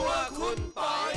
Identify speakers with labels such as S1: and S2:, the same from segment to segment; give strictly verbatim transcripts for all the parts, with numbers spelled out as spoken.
S1: วคุณปอย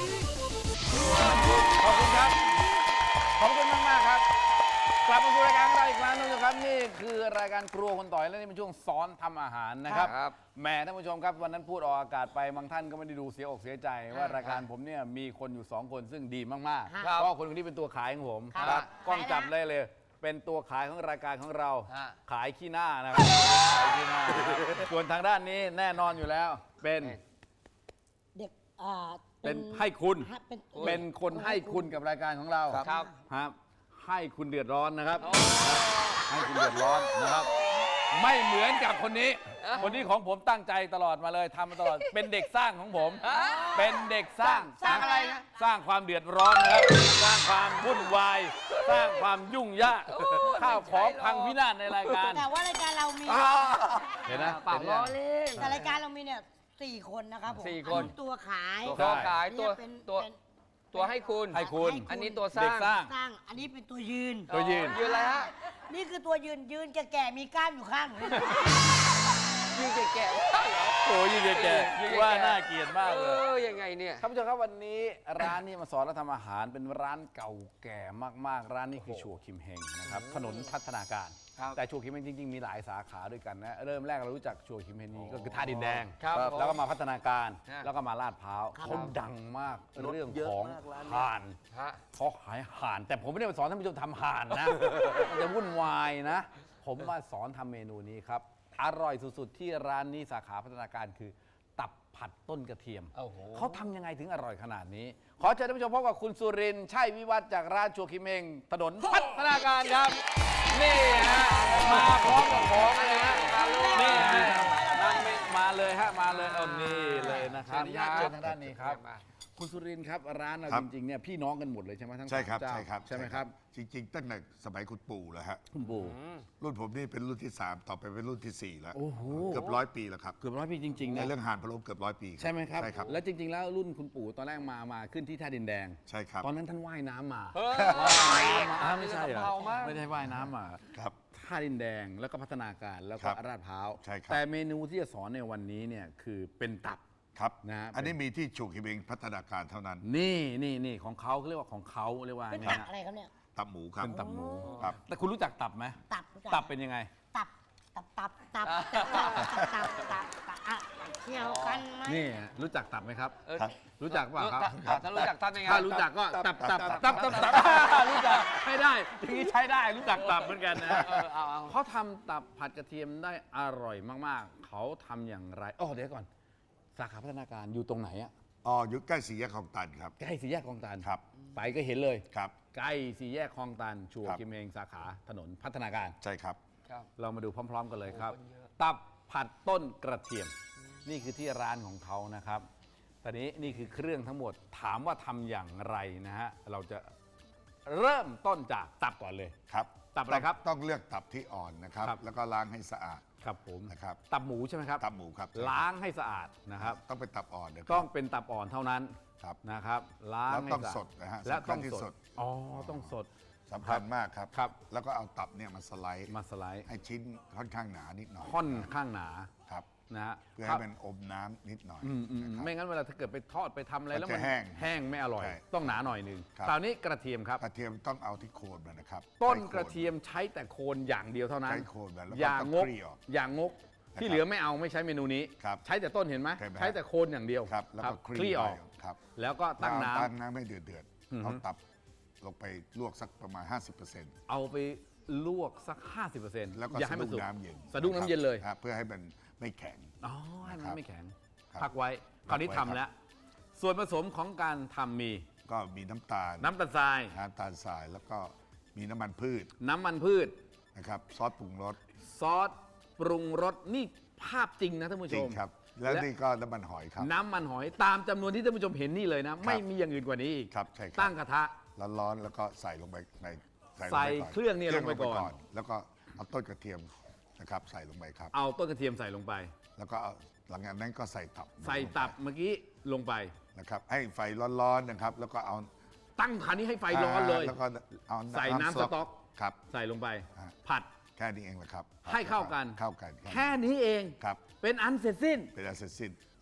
S2: ขอบคุณครับขอบคุณมากมากครับกลับมาสู่รายการของเราอีกครั้งนึงนะครับนี่คือรายการครัวคุณต่อยและนี่เป็นช่วงสอนทำอาหารนะครับแหมท่านผู้ชมครับวันนั้นพูดออกอากาศไปบางท่านก็ไม่ได้ดูเสียอกเสียใจว่ารายการผมเนี่ยมีคนอยู่สองคนซึ่งดีมากๆเพราะคนคนนี้เป็นตัวขายของผมครับกล้องจับได้เลยเป็นตัวขายของรายการของเราขายขี้หน้านะครับขายขี้หน้าส่วนทางด้านนี้แน่นอนอยู่แล้วเป็น
S3: เด็กอ่า
S2: เป็นให้คุณเป็นคนให้คุณกับรายการของเราครับครับให้คุณเดือดร้อนนะครับให้คุณเดือดร้อนนะครับไม่เหมือนกับคนนี้คนนี้ของผมตั้งใจตลอดมาเลยทำมาตลอดเป็นเด็กสร้างของผมเป็นเด็กสร้าง
S3: สร้างอะไรนะ
S2: สร้างความเดือดร้อนนะครับสร้างความวุ่นวายสร้างความยุ่งยากข้าวของพังพินาศในรายการ
S3: แต่ว่ารายการเรามี
S2: เห็นนะ
S4: เปล่าล้อเล่น
S3: แต่รายการเรามีเนี่ยสี่คนนะครับผม
S4: สี่คน
S3: ตัวขาย
S4: ตัวขายตัวตัวตัวให้คุณ
S2: ให้คุณ
S4: อันนี้ตัวสร้าง
S2: สร้าง
S3: สร้างอันนี้เป็นตัวยืน
S2: ตัวยืน
S4: ยืนอะไรฮะ
S3: นี่คือตัวยืนยืนแก่ๆมีกล้ามอยู่ข้าง
S4: ยืนแก่ๆเหรอ
S2: โอ้ยืนแก่ๆว่าน่าเกลียดมากเลย
S4: เออยังไงเนี่ย
S2: ท่านผู้ชมครับวันนี้ร้านนี้มาสอนเราทำอาหารเป็นร้านเก่าแก่มากๆร้านนี้คือชัวคิมเฮงนะครับถนนพัฒนาการแต่ชัวคิมเฮงจริงๆมีหลายสาขาด้วยกันนะเริ่มแรกเรารู้จักชัวคิมเฮงนี้ก็คือท่าดินแดงแล้วก็มาพัฒนาการแล้วก็มาลาดพร้าวเขาดังมากเรื่องของห่านเขาขายห่านแต่ผมไม่ได้มาสอนท่านผู้ชมทำห่านนะมันจะวุ่นวายนะผมมาสอนทำเมนูนี้ครับอร่อยสุดๆที่ร้านนี้สาขาพัฒนาการคือตับผัดต้นกระเทียมเขาทำยังไงถึงอร่อยขนาดนี้ขอเชิญท่านผู้ชมพบกับคุณสุรินทร์ชัยวิวัฒน์จากร้านชัวคิมเฮงถนนพัฒนาการครับนี่ฮะมาพร้อมกับของเลยฮะนี่ฮะนั่งมาเลยฮะมาเลยเอานี่เลยนะครับเชิญทางด้านนี้ครับคุณสุรินทร์ครับร้านเราจริงๆเนี่ยพี่น้องกันหมดเลยใช่ไหมทั้งสามเจ้าใช่ครับใช่ไหมครับ
S5: จริงๆตั้งแต่สมัยคุณปู่แล้วฮะ
S2: คุณปู่
S5: รุ่นผมนี่เป็นรุ่นที่สามต่อไปเป็นรุ่นที่สี่แล้ว
S2: โอ้โห
S5: เกือบร้อยปีแล้วครับ
S2: เกือบร้อยปีจริงๆนะ
S5: ในเรื่องห่านพะโล้เกือบร้อยปี
S2: ใช่ไหมครับ
S5: ใช่ครับ
S2: แล้วจริงๆแล้วรุ่นคุณปู่ตอนแรกมามาขึ้นที่ท่าดินแดง
S5: ใช่ครับ
S2: ตอนนั้นท่านว่ายน้ำมา
S4: ไม่ใช่เหรอ
S2: ไม่ใช่ว่ายน้ำมา
S5: ครับ
S2: ท่าดินแดงแล้วก็พัฒนาการแล้วก็ลาดพร้าว
S5: ใช่ครับ
S2: แต่เมนูที่จะสอนในวันนี้เนี่ยคือเป็นตับ
S5: ครับ
S2: นะ
S5: อันนี้มีที่ชูคิมเฮงพัฒนาการเท่านั้น
S2: นี่นี่นี่ของเขาเขาเรียกว่าของเขาเรียกว่า
S3: เป็นตับอะไรครับเนี่ย
S5: ตับหมูครับ
S2: เป็นตับหมู
S5: ครับ
S2: แต่คุณรู้จักตับไหม
S3: ตับ
S2: ตับเป็นยังไง
S3: ตับตับตับตับตับตับตับตับอะเที่ยวกันไหม
S2: นี่รู้จักตับไหมครับรู้จักเปล่าครับ
S4: ถ้ารู้จักทำยังไง
S2: ถ้ารู้จักก็ตับตับตับตับตับรู้จักใช้ได้ทีนี้ใช้ได้รู้จักตับเหมือนกันนะเขาทำตับผัดกระเทียมได้อร่อยมากๆเขาทำอย่างไรอ๋อเดี๋ยวก่อนสาขาพัฒนาการอยู่ตรงไหนอ่ะ
S5: อ๋ออยู่ใกล้สี่แยกคลองตันครับ
S2: ใกล้สี่แยกคลองตัน
S5: ครับ
S2: ไปก็เห็นเลย
S5: ครับ
S2: ใกล้สี่แยกคลองตันชัวคิมเฮงสาขาถนนพัฒนาการ
S5: ใช่ครับ
S2: เรามาดูพร้อมๆกันเลยครับตับผัดต้นกระเทียมนี่คือที่ร้านของเขานะครับตอนนี้นี่คือเครื่องทั้งหมดถามว่าทำอย่างไรนะฮะเราจะเริ่มต้นจากตับก่อนเลย
S5: ครับ
S2: ตับอะไรครับ
S5: ต้องเลือกตับที่อ่อนนะครับแล้วก็ล้างให้สะอาด
S2: ครับผม
S5: นะครับ
S2: ตับหมูใช่ไหมครับ
S5: ตับหมูครับ
S2: ล้างให้สะอาดนะครับ
S5: ต้องเป็นตับอ่อน
S2: ต้องเป็นตับอ่อนเท่านั้น
S5: ครับ
S2: นะครับล้างให้
S5: สดนะฮะ
S2: และต้องสดอ๋อต้องสด
S5: สำคัญมากครับ
S2: ครับ
S5: แล้วก็เอาตับเนี่ยมาสไลด์
S2: มาสไลด์
S5: ให้ชิ้นค่อนข้างหนานิดหน่อย
S2: ค่อนข้างหนา
S5: ครับ
S2: นะฮะ
S5: เพื่อให้มันอมน้ำนิดหน่อย
S2: ไม่งั้นเวลาถ้าเกิดไปทอดไปทำอะไรแล้วมัน
S5: แห้ง
S2: แห้งไม่อร่อยต้องหนาหน่อยหนึ่งคราวนี้กระเทียมครับ
S5: กระเทียมต้องเอาที่โคนมันนะครับ
S2: ต้นกระเทียมใช้แต่โคนอย่างเดียวเท่านั้น
S5: ใช้โคนมันแล้ว
S2: อย่างงกอย่างงกที่เหลือไม่เอาไม่ใช้เมนูนี้ใช้แต่ต้นเห็นไหมใช้แต่โคนอย่างเดียว
S5: แล้วก็
S2: คลี่ออกแล้วก็ตั้งน้ำ
S5: ตั้งน้ำให้เดือดเดือดเอาตับลงไปลวกสักประมาณ ห้าสิบเปอร์เซ็นต์
S2: เอาไปลวกสัก ห้าสิบเปอร์เซ็นต์
S5: แล้วก็สะดุ้งน้ำเย็น
S2: สะดุ้งน้ำเย็นเลย
S5: เพื่อให้มันไม่แข็ง
S2: อ๋อให้มันไม่แข็งพักไว้คราวนี้ทำแล้วส่วนผสมของการทำมี
S5: ก็มีน้ำตาล
S2: น้ำตาลทราย
S5: น้ำตาลทรายแล้วก็มีน้ำมันพืช
S2: น้ำมันพืช
S5: นะครับซอสปรุงรส
S2: ซอสปรุงรสนี่ภาพจริงนะท่านผู้ชม
S5: จริงครับแล้วนี่ก็น้ำมันหอยครับ
S2: น้ำมันหอยตามจำนวนที่ท่านผู้ชมเห็นนี่เลยนะไม่มีอย่างอื่นกว่านี้อีก
S5: ครับใช่ครับ
S2: ตั้งกระทะ
S5: ร้อนๆแล้วก็ใส่ลงไปใน
S2: ใส่เครื่องนี่ลงไปก่อน
S5: แล้วก็เอาต้นกระเทียมนะครับใส่ลงไปครับ
S2: เอาต้นกระเทียมใส่ลงไป
S5: แล้วก็หลังจากนั้นก็ใส่ตับ
S2: ใส่ตับเมื่อกี้ลงไป
S5: นะครับให้ไฟร้อนๆนะครับแล้วก็เอา
S2: ตั้งคันนี้ให้ไฟร้อนเลย
S5: แล้วก็เอา
S2: ใส่น้ำสต๊อก
S5: ครับ
S2: ใส่ลงไปผัด
S5: แค่นี้เองแหละครับ
S2: ให้เข้ากัน
S5: เข้ากัน
S2: แค่นี้เอง
S5: ครับ
S2: เป็นอันเสร็จสิ้น
S5: เป็นอันเสร็จสิ้น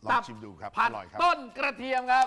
S5: ลองชิมดูครับ
S2: ผั
S5: อ
S2: ด
S5: ร่อยครับ
S2: ต้นกระเทียมครับ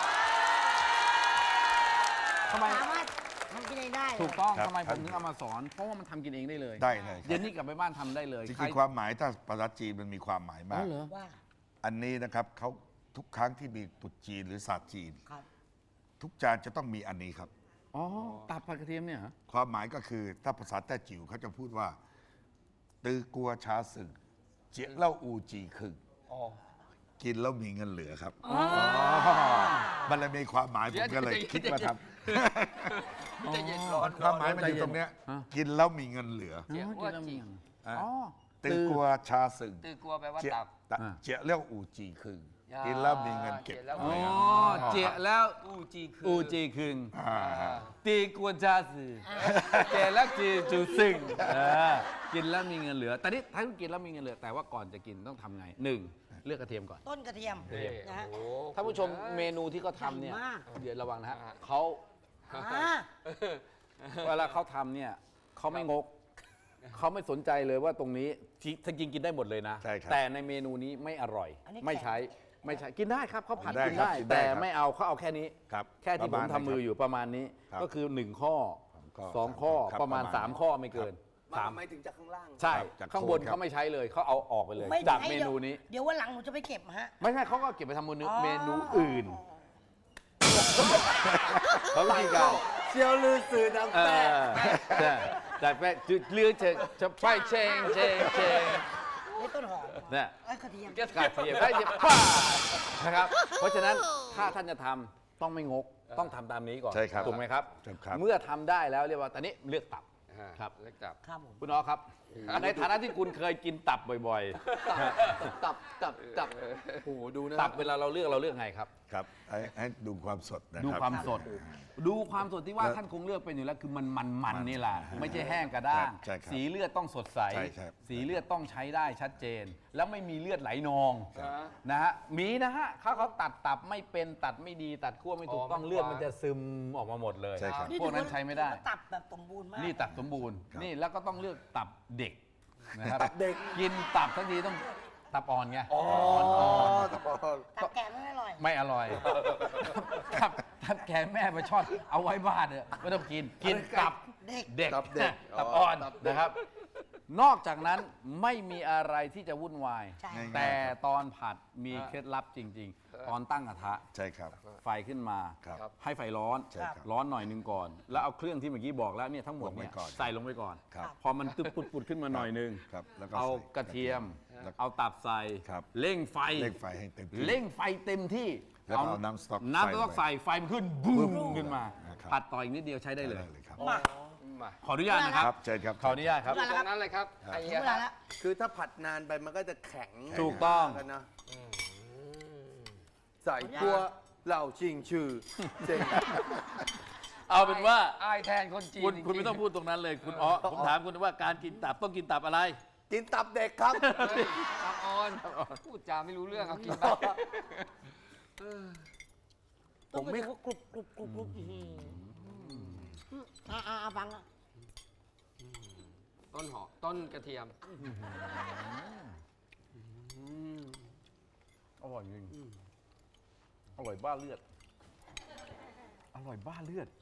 S2: ทำไม
S3: สามารถทำกินเองได้เลย
S2: ถูกต้อง
S5: ครับ
S2: ทำไมผมถึงเอามาสอน เพราะว่ามันทำกินเองได้เลย
S5: ได้เลยค
S2: เย็
S5: รับ
S2: นนี้กลับไปบ้านทำได้เลย
S5: จ
S2: ใคร
S5: ริงๆความหมายถ้าภาษาจีนมันมีความหมาย
S2: อ๋
S5: มา
S2: อก เหรอ
S3: ว่า
S5: อันนี้นะครับเขาทุกครั้งที่มีตรุษจีนหรือศาสตร์จีน
S3: ครับ
S5: ทุกจานจะต้องมีอันนี้ครับ
S2: อ๋อตับผัดกระเทียมเนี่ยเหรอ
S5: ความหมายก็คือถ้าภาษาแต้จิ๋วเขาจะพูดว่า ตือกัวชาสึกเจี๊ยเล่าอูจีคึง
S4: อ๋อ
S5: กินแล้วมีเงินเหลือครับมันเลยมีความหมายผมก็เลยคิดมาท
S4: ใจเย็นร้อน
S5: ำความหมายมันอยู่ตรงเนี้ยกินแล้วมีเงินเหลือ
S4: เจีย
S2: อ๋อ
S4: ว่า
S2: กินแล้วมี
S4: จริง
S2: เงิน
S5: อ่ะ
S2: อ๋อ
S5: ตือกัวชาสึก
S4: ตื่นกลัวแปลว่า
S5: เจี๊ย
S4: ตับ
S5: ตะ
S2: อ่า
S5: เจี๊ยเลี้ยวอูจีคึง
S4: อ่า
S5: กินแล้วมีเงินเก็บ
S4: เจี๊ยแล้ว
S2: อ๋อ
S5: ไว้
S2: เจียแล้ว
S4: อูจีคือ
S2: อูจีคึง
S5: อ่า
S2: ตีกวนชาสือเจแล้วจีจูซึงเออกินแล้วมีเงินเหลือ แต่นี่ถ้าคุณกินแล้วมีเงินเหลือ แต่ว่าก่อนจะกินต้องทำไงหนึ่งเลือกกระเทียมก่อน
S3: ต้นกระเทียม
S4: นี่
S3: นะฮะ
S4: โอ้โห
S2: ท่านผู้ชมเมนูที่เขาทำเนี่ย
S3: ใหญ่มาก
S2: เดี๋ยวระวังนะฮะเขา
S3: อ่า
S2: เวลาเขาทำเนี่ยเขาไม่งกเขาไม่สนใจเลยว่าตรงนี้ถ้ากินกินได้หมดเลยนะ
S5: ใช่ครับ
S2: แต่ในเมนูนี้ไม่อร่อย
S3: อันนี้
S2: ไม่ใช้ไม่ใช้กินได้ครับเขาผัด
S5: ได้
S2: กิน
S5: ครับ
S2: ได้
S5: กินได้
S2: แต่
S5: ครับ
S2: ไม่เอาเขาเอาแค่นี้
S5: ครับ
S2: แค่ที่
S5: ป
S2: ผ
S5: ระ
S2: ม
S5: มาณ
S2: ทำมืออยู่ประมาณนี้
S5: ครับ
S2: ก็คือหนึ่งข้อ
S5: ข้อ
S2: สองข้อ
S5: ครับ
S2: ประมาณ
S5: ประมาณ
S2: สามข้อไม่เกินสาม
S4: หมายถึงจากข้างล่าง
S2: ใช่
S5: ครับจาก
S2: ข้างบน
S5: โคนครับ
S2: เขาไม่ใช้เลยเขาเอาออกไปเลย
S3: ไม่
S2: จาก
S3: ใช่
S2: เมนูนี้
S3: เดี๋ยววันหลังหนูจะไปเก็บฮะ
S2: ไม่ใช่เขาก็เก็บไปทำเมนู
S3: อ๋อ
S2: เมนูอื่นเขาวิธีการ
S4: เชียวลือสื่อน้ำ
S2: เอ
S4: แป้
S2: อใช่แต่แป้งจืดเลือดเชงจะไปเชงเชงเชง
S3: นี่ต้นหอม
S2: เนี่ย
S3: ไอ้ยกระเทียม
S2: กระเทียมได้เทียมป้านะครับ เพราะฉะนั้นถ้าท่านจะทำต้องไม่งกต้องทำตามนี้ก่อน
S5: ใช่ครับ
S2: ถูกไหมครับ
S5: ใช่ครับ
S2: เมื่อทำได้แล้วเรียกว่าตอนนี้เลือกตับ ครับ
S4: เล็กตับ
S3: ครับผม
S2: คุณอ๋อครับ ในฐานะที่คุณเคยกินตับบ่อย
S4: ตับตับตับโอ้โหดูนะ
S2: ๆ ตับเวลาเราเลือกเราเลือกไงครับ
S5: ครับให้ให้ดูความสดนะ
S2: ดู
S5: ครับ
S2: ความสด ดูความสดที่ว่า
S5: แล้ว
S2: ท่านคงเลือกเป็นอยู่แล้วคือมันมันมันนี่แหละไม่ใช่แห้งกระด้าง
S5: ใช่ครับ
S2: สีเลือดต้องสดใส
S5: ใช่ครับ
S2: สีเลือดต้องใช้ได้ชัดเจน แล้วไม่มีเลือดไหลนอง
S4: ครับ
S2: นะฮะมีนะฮะเขาเขาตัดตับไม่เป็นตัดไม่ดีตัดขั้วไม่ถูกต้อง
S4: อ๋อมัน
S2: เลือดมันจะซึมออกมาหมดเลย
S5: ใช่ครับ
S2: พวกนั้นใช้ไม่ได้
S3: ถือว่าตับแบบสมบูรณ์มาก
S2: นี่ตับสมบูรณ์
S5: ครับ
S2: นี่แล้วก็ต้องเลือกตับเด็กนะครับ
S4: ตับเด็ก
S2: กินตับทั้งทีต้องตับอ่อนไง
S4: อ๋อ
S2: อ่อน
S4: ตับอ่อน
S3: ตับแกะไม่อร่อย
S2: ๆไม่อร่อยครับทับแขนแม่ไปชอดเอาไว้บ้านเนี่ยไม่ต้องกินกินตับ
S3: เด็ก
S2: เด็ก
S4: ตับเด็ก
S2: ตับอ่อน
S4: ตับเด็ก
S2: นะครับ นอกจากนั้นไม่มีอะไรที่จะวุ่นวาย
S3: ใช่
S5: ง่ายๆ
S2: แต่ตอนผัดมีเคล็ดลับจริง ๆ ตอนตั้งกระทะ
S5: ใช่ครับ
S2: ไฟขึ้นมา
S5: ครับ
S2: ให้ไฟร้อน
S5: ใช่ครับ
S2: ร้อนหน่อยหนึงก่อน แล้วเอาเครื่องที่เมื่อกี้บอกแล้วเนี่ยทั้งหมดเนี่ย
S5: ลงไปก่อน
S2: ใส่ลงไปก่อน
S5: ครับ
S2: พอมันตึ๊บปุดๆขึ้นมาหน่อยหนึง
S5: ครับแล้วก็
S2: เอา
S5: ใส่
S2: กระเทียม
S5: แล้วก็
S2: เอาตับใส่
S5: ครับ
S2: เร่งไฟ
S5: เร่งไฟให้เต็มที่
S2: เร่งไฟเต็มที่
S5: แล้วก็เอาน้ำสต๊อก
S2: น้ำสต๊อก
S5: ใส่
S2: ใส่ไฟมันขึ้นบูมขึ้นมา
S5: นะครับ
S2: ผัดต่ออีกนิดเดียวใช้ได้เลย
S5: ได้เลยครับ
S3: มา
S4: มา
S2: ขออนุญาตนะครับ
S5: ครับเชิญครับ
S2: ขออนุญาตครับ
S4: ตรงนั้นเลยครับไอ้
S3: ถึ
S4: เหี้
S3: ง
S4: ย
S3: เวลาแล้ว
S1: คือถ้าผัดนานไปมันก็จะแข็ง
S2: ถูกต้อง
S1: กันนะใส่ตัวเหล่าชิงชื่อเจ๋ง
S2: เอาเป็นว่า
S4: อายแทนคนจีน
S2: คุณ
S4: จริๆ
S2: คุณไม่ต้องพูดตรงนั้นเลย คุณอ๋อผมถามคุณว่าการกินตับต้องกินตับอะไร
S1: กินตับเด็กครับ
S4: ตับอ่อนพูดจาไม่รู้เรื่องเอากินไป
S3: ผมไม่กรุบกรุบกรุบกรุบอื้อหืออ่าอ่าอ่าฟังอ่ะ
S4: ต้นหอมต้นกระเทียม
S2: อร่อยจริงอร่อยบ้าเลือด อร่อยบ้าเลือด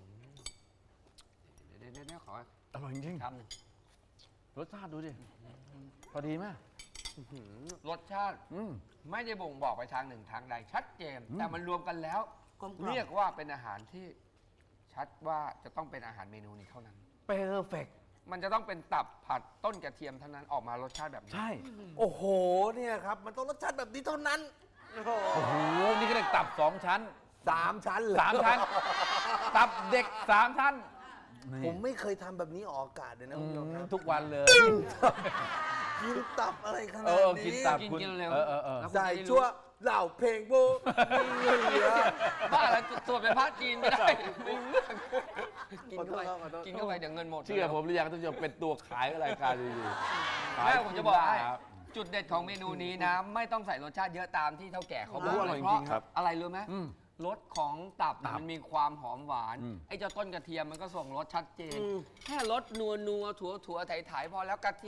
S4: เดี๋ยวเดี๋ยวเดี๋ยวขอ
S2: อร่อยจริง
S4: คำหนึ่ง
S2: รสชาติดูดิ พอดีไหม
S4: รสชาติ
S2: อืม
S4: ไม่ได้บ่งบอกไปทางหนึ่งทางใดชัดเจน
S2: อืม
S4: แต่มันรวมกันแล้ว
S3: กลมกล่อม
S4: เรียกว่าเป็นอาหารที่ชัดว่าจะต้องเป็นอาหารเมนูนี้เท่านั้น
S2: เปอร์เฟก
S4: มันจะต้องเป็นตับผัดต้นกระเทียมเท่านั้นออกมารสชาติแบบนี้
S2: ใช่
S1: โอ้โห เนี่ยครับ มันต้องรสชาติแบบนี้เท่านั้น โอ้โห
S2: โอ้โห นี่ก็เรียกตับสองชั้น
S1: สามชั้นเลย
S2: สามชั้น ตับเด็กสามชั้นนี่
S1: ผมไม่เคยทำแบบนี้ออกอากาศเลยนะ
S2: อื
S1: คุณผู้ชม
S2: ม
S1: ครับ
S2: ทุกวันเลย
S1: กินตับอะไรข
S2: เอ
S1: นาด
S2: อ
S1: นี้
S2: กินตับ
S4: กิน
S2: คุณ
S4: กินเร็ว
S2: เออเออเออ
S4: แล้วคุณ
S1: ใส่
S4: จะได้รู้
S1: ชั่วเหล่าเพลงโบมีเงินเหลือ
S4: บ้าแล้วสวดเป็นพระจีนไม่ได้ไม่รู้เรื่องกินเข้าไป
S1: ขอโทษขอโทษ
S4: กินเข้าไปเดี๋ยวเงินหมด
S2: เชื่อผมหรือยังท่านผู้ชมเป็นตัวขายรายการอยู่ๆขาย
S4: แม่ผมจะบอกให้
S2: ครับ
S4: จุดเด็ดของเมนูนี้นะ ไม่ต้องใส่รสชาติเยอะตามที่เท่าแก่เขาบ
S2: โอ้
S4: อก
S2: อร่อย
S4: เพราะ
S2: จริงๆครับ
S4: อะไรรู้ไหม
S2: อืม
S4: รสของตับ
S2: ตับ
S4: มันมีความหอมหวาน
S2: อืม
S4: ไอ้เจ้าต้นกระเทียมมันก็ส่งรสชัดเจน แค่รสนัวนัวถั่วถั่วไถไถพอแล้วกระเทียม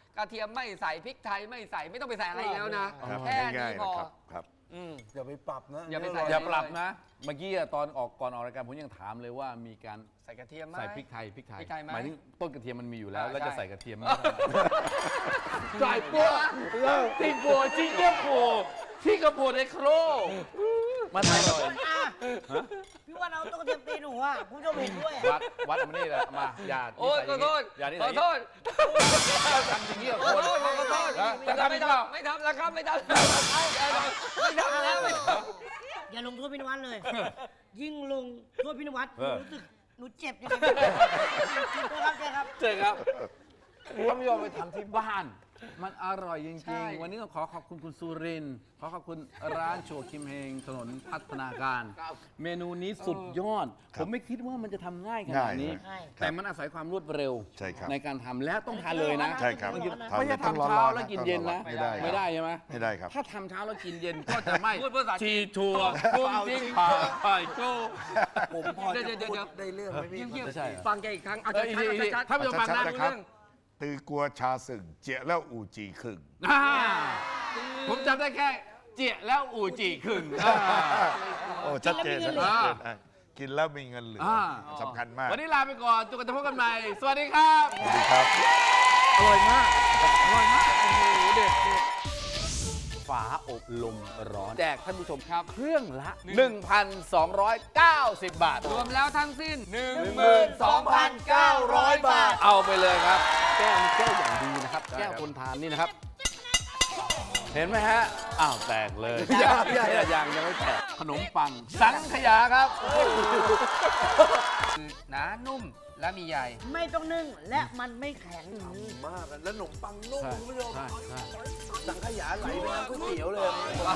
S4: กระเทียมไม่ใส่พริกไทยไม่ใส่ไม่ต้องไปใส่อะไรอีกแล้วนะ
S5: ครับ
S4: แค่
S5: ง่า
S4: นี้
S5: ยๆ
S4: พอ
S5: นะครับครับ
S4: อืม
S1: อย่าไปปรับนะ
S4: อย่าไปใส่
S2: อย่าปรับนะ เมื่อกี้อะตอนออกก่อนออกรายการผมยังถามเลยว่ามีการ
S4: ใส่กระเทียมไหม
S2: ใส่พริกไทยพริกไทย
S4: พริกไทยไหม
S2: หมายถึงต้นกระเทียมมันมีอยู่แล้ว
S4: อ่า
S2: แล้วจะ
S4: ใช่
S2: ใส่กระเทียมไหมใส่ปัวติปัวจิ้งเกี้ยปัวที่กระโปดในโครมันอร่อย
S3: พี่วันเอาตุ๊กตาตีหนูอ่ะคุณผู้ชมเห็นด้วย
S2: วัดวัดเอามานี่แหละมาอย่า
S4: โอ้ยขอโทษ
S2: อย่านี่
S4: ขอโทษ
S2: ทำอย่างนี้กับ
S4: ข
S2: ค
S4: อน โทษขอโทษ
S2: นะ
S4: แต่
S2: จะ
S4: ไม่
S2: ทำอีกเปล่า
S4: ทำไม่ทำแล้วครับไม่ทำแล้วไม่ทำแล้วไม่ทำ
S3: อย่าลงโทษพี่นวัดเลย ยิ่งลงโทษพี่นวัดห
S2: เอ
S3: นู
S2: อ
S3: รู้สึกหนูเจ็บยังไงครับเจ๊ครับ
S2: เจอครับท่านผู้ชมไปทำที่บ้าน มันอร่อยจ
S4: ใช่
S2: ริงๆ วันนี้ต้องขอขอบคุณคุณสุรินทร์ขอขอบคุณร้านโชว์คิมเฮงถนนพัฒนาการ เมนูนี้สุดยอด
S5: ค
S2: ผ
S5: รับ
S2: มไม่คิดว่ามันจะทำง่ายขนา
S5: ง่า
S2: ด
S5: ย
S2: นี้
S5: ครับ
S2: แต่มันอาศัยความรวดเร็ว
S5: ใช่ครับ
S2: ในการทำและต้องทานเลยนะ
S5: ใช่ครับ
S2: ไม่ใช่
S5: ทาน
S2: ไม่ใช่
S5: ต้องร้อนๆ
S2: ทำเช้า
S5: นะ
S2: แล้วกินเย็นนะ
S5: ไม่ได้ครับ
S2: ไม่ได้ใช่ไหม
S5: ไม่ได้ครับ
S2: ถ้าทำเช้าแล้วกินเย็นก็จะไม่
S4: พูดภาษาจี
S2: ชี
S4: น
S2: ชัวกุ้งจิ้งผ่าไข่โจ้
S1: ผมพอ
S4: เดี๋
S1: จะ
S4: ยวเดี๋ยว
S1: พูด
S4: เดี๋ยว
S1: ได้เรื่องไหมพี่
S4: เงียบ
S2: ไม่ใช่
S4: ๆฟังแกอีกครั้งเอา
S2: เอออีกทีอีกที
S4: ชัดๆ
S2: ท่านผู้ชมฟังนะ
S5: ชัดๆนะครับ ตือกลัวชาสึงเจียแล้วอูจีคึง
S2: อ่าผมจำได้แค่เจียแล้วอูจีขึงอ่า
S5: โอ้ชัดเจน
S3: กิน
S5: ชั
S3: แล้วมีเงินเหลือ
S5: ดเจนอ่ะกินแล้วมีเงินเหลืออา สำคัญมาก
S2: วันนี้ลาไปก่อนจนกว่าจะพบกันใหม่ สวัสดีครับ
S5: สวัสดีครับ
S2: อร่อยมาก อร่อยมาก โอ้โห เด็ดเด็ดฝาอบลมร้อน แจกท่านผู้ชมครับ เครื่องละ หนึ่งพันสองร้อยเก้าสิบ บาท
S4: รวมแล้วทั้งสิ้น
S1: หนึ่งหมื่นสองพันเก้าร้อยบาท
S2: เอาไปเลยครับ แก้วนี่แก้วอย่างดีนะครับ แก้วคนทานนี่นะครับ เห็นไหมฮะ อ้าว แตกเลยยังยังยังยังไม่แตก ขนมปัง สังขยาครับ
S4: คือหนานุ่มและมีใย
S3: ไม่ต้องนึ่งและมันไม่แข็ง
S1: มากอะแล้วขนมปังนุ่ม
S2: ใช่
S1: คุณผู้ชม
S2: ใช่ใช่
S1: สังขยาไหลไปน้ำก๋วยเตี๋ยวเลย
S4: ว่า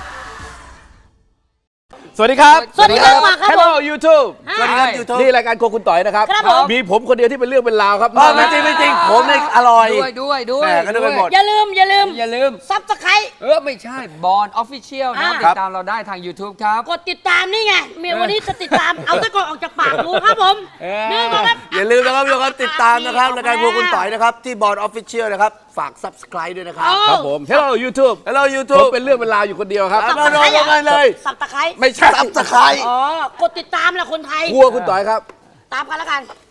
S2: สวัสดีครับ
S3: สวัสดีครับครับผม
S2: Hello YouTube
S3: สวัสดีครับ
S1: YouTube
S2: นี่รายการโครัวคุณต่อยนะครับ
S3: ครับผม
S2: มีผมคนเดียวที่เป็นเรื่องเป็นราวครับ
S1: อ๋อไม่จริงไม่จริงผมเนี่ยอร่อย
S4: ด้วยด้วยด้วย
S1: แหม่ก็นึกไปหมด
S3: อย่าลืมอย่าลืม
S4: อย่าลืม
S3: ซับสไคร
S4: เออ ไม่ใช่บอลออฟฟิเชียลนะ
S3: อ่า
S4: ติดตามเราได้ทาง YouTube ครับ
S3: กดติดตามนี่ไงเมียวันนี้จะติดตาม เอาตะกอนออกจากปากดูครับผม
S4: เออ
S3: นี่ก็ครับ
S1: อย่าลืมนะครับทุกคนติดตามนะครับ
S3: อ่ะ
S1: รายการพวกคุณต่อยนะครับ ที่บอร์ดออฟฟิเชียลนะครับ ฝาก subscribe ด้วยนะครับ
S3: เออ
S2: ครับผม Hello YouTube
S1: Hello
S2: ผม
S1: YouTube
S2: เป็นเรื่องเป็นราวอยู่คนเดียวครับ
S1: ครับ โดนๆกันเลย
S3: สับตะไคร้
S2: ไม่ใช่
S1: subscribe
S3: อ๋อกดติดตามแหละคนไทย
S2: ครัวคุณต่อยครับ
S3: ตามกันแล้วกัน